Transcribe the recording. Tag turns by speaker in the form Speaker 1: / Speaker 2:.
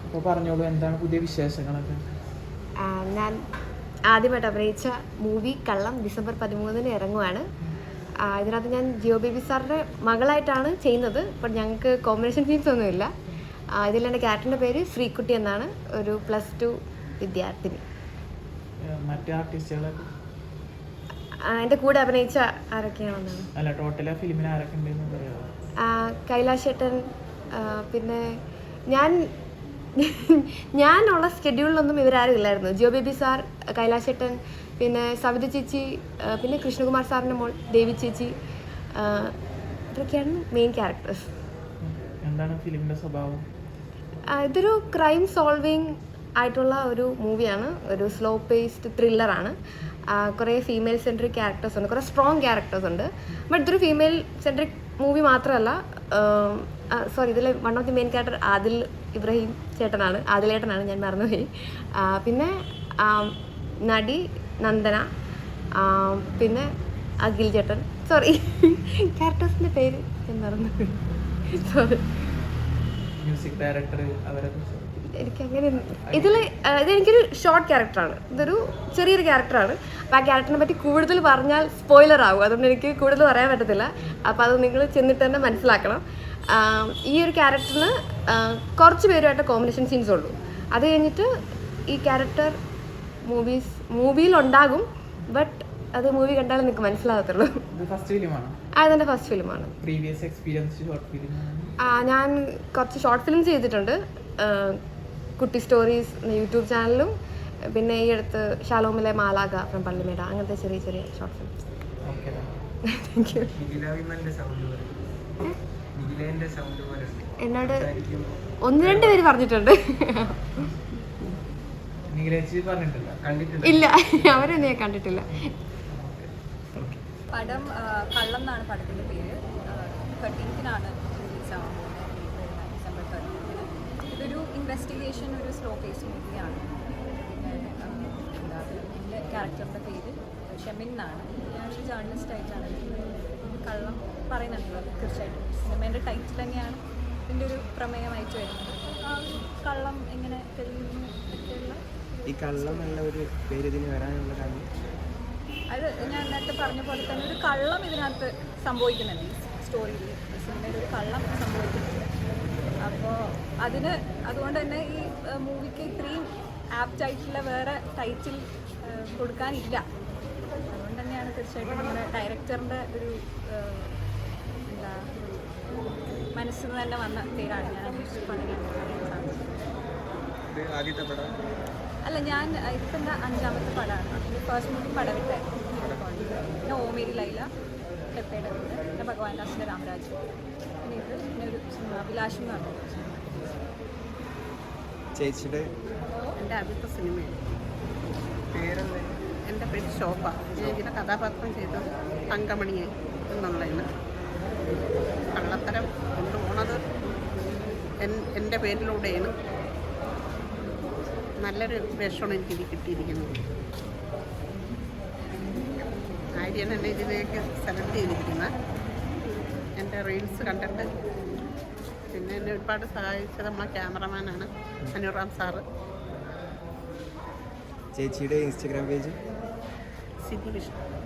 Speaker 1: അപ്പോൾ പറഞ്ഞോളൂ, എന്താണ് പുതിയ വിശേഷങ്ങളൊക്കെ?
Speaker 2: ഞാൻ ആദ്യമായിട്ട് അഭിനയിച്ച മൂവി കള്ളം ഡിസംബർ 13 ഇറങ്ങുവാണ്. ഇതിനകത്ത് ഞാൻ ജിയോ ബേബി സാറിൻ്റെ മകളായിട്ടാണ് ചെയ്യുന്നത്. ബട്ട് ഞങ്ങൾക്ക് കോമ്പിനേഷൻ സീൻസ് ഒന്നുമില്ല. ഇതിലെൻ്റെ ക്യാരക്ടറിൻ്റെ പേര് ശ്രീകുട്ടി എന്നാണ്, ഒരു +2 വിദ്യാർത്ഥിനി.
Speaker 1: മറ്റേ ആർട്ടിസ്റ്റുകളൊക്കെ
Speaker 2: എൻ്റെ കൂടെ അഭിനയിച്ച ആരൊക്കെയാണെന്നാണ്?
Speaker 1: അല്ല, ടോട്ടൽ ആ ഫിലിമിൽ ആരൊക്കെ ഉണ്ടെന്ന് പറയാമോ?
Speaker 2: കൈലാഷ് ഏട്ടൻ, പിന്നെ ഞാനുള്ള സ്കെഡ്യൂളിലൊന്നും ഇവരാരും ഇല്ലായിരുന്നു. ജിയോ ബേബി സാർ, കൈലാഷ് ഏട്ടൻ, പിന്നെ സവിത ചേച്ചി, പിന്നെ കൃഷ്ണകുമാർ സാറിൻ്റെ മോൾ ദേവി ചേച്ചി, ഇതൊക്കെയാണ് മെയിൻ ക്യാരക്ടേഴ്സ്.
Speaker 1: എന്താണ് ഫിലിമിൻ്റെ സ്വഭാവം?
Speaker 2: ഇതൊരു ക്രൈം സോൾവിങ് ആയിട്ടുള്ള ഒരു മൂവിയാണ്. ഒരു സ്ലോ പേസ്ഡ് ത്രില്ലറാണ്. കുറേ ഫീമെയിൽ സെൻട്രിക് ക്യാരക്ടേഴ്സ് ഉണ്ട്, കുറേ സ്ട്രോങ് ക്യാരക്ടേഴ്സ് ഉണ്ട്. ബട്ട് ഇതൊരു ഫീമെയിൽ സെൻട്രിക് മൂവി മാത്രമല്ല. സോറി, ഇതിൽ one of the main character Adil Ibrahim ചേട്ടനാണ്, ആദിലേട്ടനാണ്, ഞാൻ മറന്നുപോയി. പിന്നെ നടി നന്ദന, പിന്നെ അഖിൽ ചേട്ടൻ. സോറി, ക്യാരക്ടേഴ്സിൻ്റെ പേര് ഞാൻ മറന്നുപോയി. സോറി.
Speaker 1: മ്യൂസിക് ഡയറക്ടർ അവരൊക്കെ
Speaker 2: എനിക്കങ്ങനെ ഇതെനിക്കൊരു ഷോർട്ട് ക്യാരക്ടറാണ്. ഇതൊരു ചെറിയൊരു ക്യാരക്ടറാണ്. അപ്പോൾ ആ ക്യാരക്ടറിനെ പറ്റി കൂടുതൽ പറഞ്ഞാൽ സ്പോയിലർ ആകും. അതുകൊണ്ട് എനിക്ക് കൂടുതൽ പറയാൻ പറ്റത്തില്ല. അപ്പോൾ അത് നിങ്ങൾ ചെന്നിട്ട് തന്നെ മനസ്സിലാക്കണം. ഈ ഒരു ക്യാരക്ടറിന് കുറച്ച് പേരുമായിട്ട് കോമ്പിനേഷൻ സീൻസ് ഉള്ളൂ. അത് കഴിഞ്ഞിട്ട് ഈ ക്യാരക്ടർ മൂവിയിലുണ്ടാകും. ബട്ട് അത് മൂവി കണ്ടാലും നിങ്ങൾക്ക് മനസ്സിലാകത്തുള്ളൂ. അതെൻ്റെ ഫസ്റ്റ് ഫിലിമാണ്. ഞാൻ കുറച്ച് ഷോർട്ട് ഫിലിംസ് ചെയ്തിട്ടുണ്ട്. കുട്ടി സ്റ്റോറീസ് യൂട്യൂബ് ചാനലും, പിന്നെ ഈ അടുത്ത് ഷാലോമിലെ മാലാഗ ഫ്രം പള്ളിമേട, അങ്ങനത്തെ ചെറിയ ചെറിയ ഷോർട്ട് ഫിലിംസ്. Thank you. എന്നോട് 1-2 പേര് പറഞ്ഞിട്ടുണ്ട്. ഇല്ല, അവരെന്നെ ഞാൻ കണ്ടിട്ടില്ല.
Speaker 3: പടം കള്ളം എന്നാണ് പടത്തിൻ്റെ പേര്. 13-നാണ് റിലീസാവുന്നത്, ഡിസംബർ 13. ഇതൊരു ഇൻവെസ്റ്റിഗേഷൻ, ഒരു സ്ലോ പേസ് മൂവിയാണ്. പിന്നെ എന്താ എൻ്റെ ക്യാരക്ടറിൻ്റെ പേര് ഷെമിൻ എന്നാണ്. ഞാനൊരു ജേർണലിസ്റ്റ് ആയിട്ടാണ് കള്ളം പറയുന്നുണ്ടല്ലോ. തീർച്ചയായിട്ടും സിനിമേൻ്റെ ടൈറ്റിൽ തന്നെയാണ് ഇതിൻ്റെ ഒരു പ്രമേയമായിട്ട് വരുന്നത്. ആ ഒരു കള്ളം എങ്ങനെ തെളിയുന്നു ഒക്കെയുള്ള
Speaker 4: ഈ കള്ളം എന്ന ഒരു പേര് ഇതിന് വരാനുള്ള കാര്യം
Speaker 3: അത് ഞാൻ നേരത്തെ പറഞ്ഞ പോലെ തന്നെ ഒരു കള്ളം ഇതിനകത്ത് സംഭവിക്കുന്നുണ്ട്. ഈ സ്റ്റോറിയിൽ, സിനിമയിൽ ഒരു കള്ളം സംഭവിക്കുന്നുണ്ട്. അപ്പോൾ അതുകൊണ്ട് തന്നെ ഈ മൂവിക്ക് ഇത്രയും ആപ്റ്റായിട്ടുള്ള വേറെ ടൈറ്റിൽ കൊടുക്കാനില്ല. അതുകൊണ്ട് തന്നെയാണ് തീർച്ചയായിട്ടും നമ്മുടെ ഡയറക്ടറിൻ്റെ ഒരു എന്താ മനസ്സിൽ നിന്ന് തന്നെ വന്ന പേരാണ്. ഞാൻ അന്വേഷിച്ചപ്പോൾ അങ്ങനെയാണ് സാധിച്ചത്. അല്ല, ഞാൻ ഇപ്പം എൻ്റെ 5ാമത്തെ പടമാണ്. First movie പടവിട്ടായിരുന്നു. പിന്നെ ഓമേരി ലൈല, പെപ്പയുടെ വീട്, പിന്നെ ഭഗവാൻ ദാസിൻ്റെ രാമരാജ്, പിന്നെ ഇത് പിന്നെ ഒരു സിനിമ അഭിലാഷം എന്ന് പറഞ്ഞു.
Speaker 4: ചേച്ചിയുടെ
Speaker 5: എൻ്റെ ആദ്യത്തെ സിനിമയാണ്. എൻ്റെ പേര് ശോഭ. ചേച്ചിയുടെ കഥാപാത്രം ചെയ്തത് തങ്കമണിയെ എന്നുള്ളതിന്. കള്ളത്തരം കൊണ്ടുപോണത് എൻ്റെ പേരിലൂടെയാണ്. നല്ലൊരു വേഷമാണ് എനിക്കിത് കിട്ടിയിരിക്കുന്നത്. ആര്യൻ എന്നെ ഇതിലേക്ക് സെലക്ട് ചെയ്തിരിക്കുന്ന എൻ്റെ റീൽസ് കണ്ടിട്ട്. പിന്നെ എന്നെ ഒരുപാട് സഹായിച്ചത് നമ്മളെ ക്യാമറമാനാണ് അനുറാം സാറ്.
Speaker 4: ചേച്ചിയുടെ ഇൻസ്റ്റഗ്രാം പേജ്
Speaker 5: സിദ്ധി വിഷ്ണു.